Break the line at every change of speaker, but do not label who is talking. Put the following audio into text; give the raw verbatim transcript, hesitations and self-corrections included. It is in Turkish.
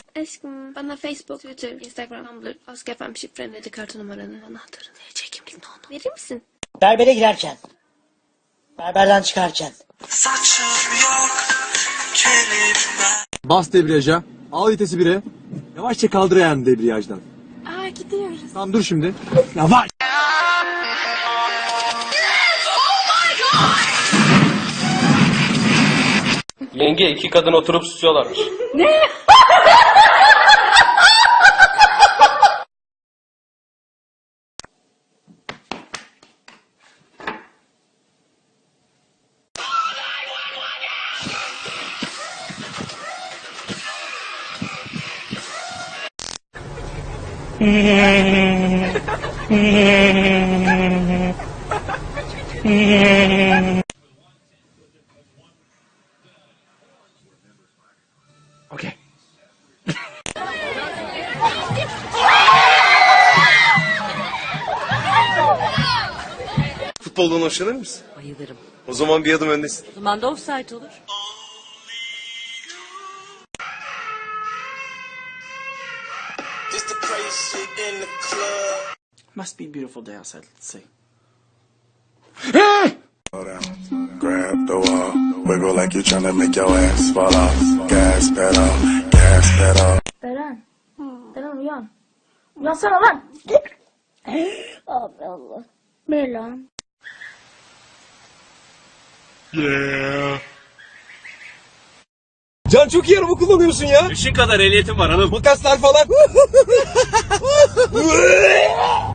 Aşkım bana Facebook, Twitter, Instagram, Tumblr, Ask F M şifremledi kartı numaranı, anahtarını, çekimlik onu. Verir misin?
Berbere girerken. Berberden çıkarken.
Saçım yok, kelime.
Bas debriyaja. Al vitesi bire. Yavaşça kaldır ayağını debriyajdan.
Aa gidiyoruz.
Tamam dur şimdi. Yavaş.
Yenge iki kadın oturup susuyorlarmış.
Okey.
Futboldan hoşlanır mısın?
Bayılırım.
O zaman bir adım öndesin.
O zaman da offside olur.
Just the crazy shit in the club.
Must be a beautiful day outside, let's see.
Grab the wall, wiggle like you're trying to make your ass fall off. Gas pedal, gas pedal.
Beren. Beren uyan. Uyansana lan. Allah Allah. Ne lan?
Can çok iyi araba kullanıyorsun ya.
Işın kadar ehliyetim var hanım.
Makaslar falan.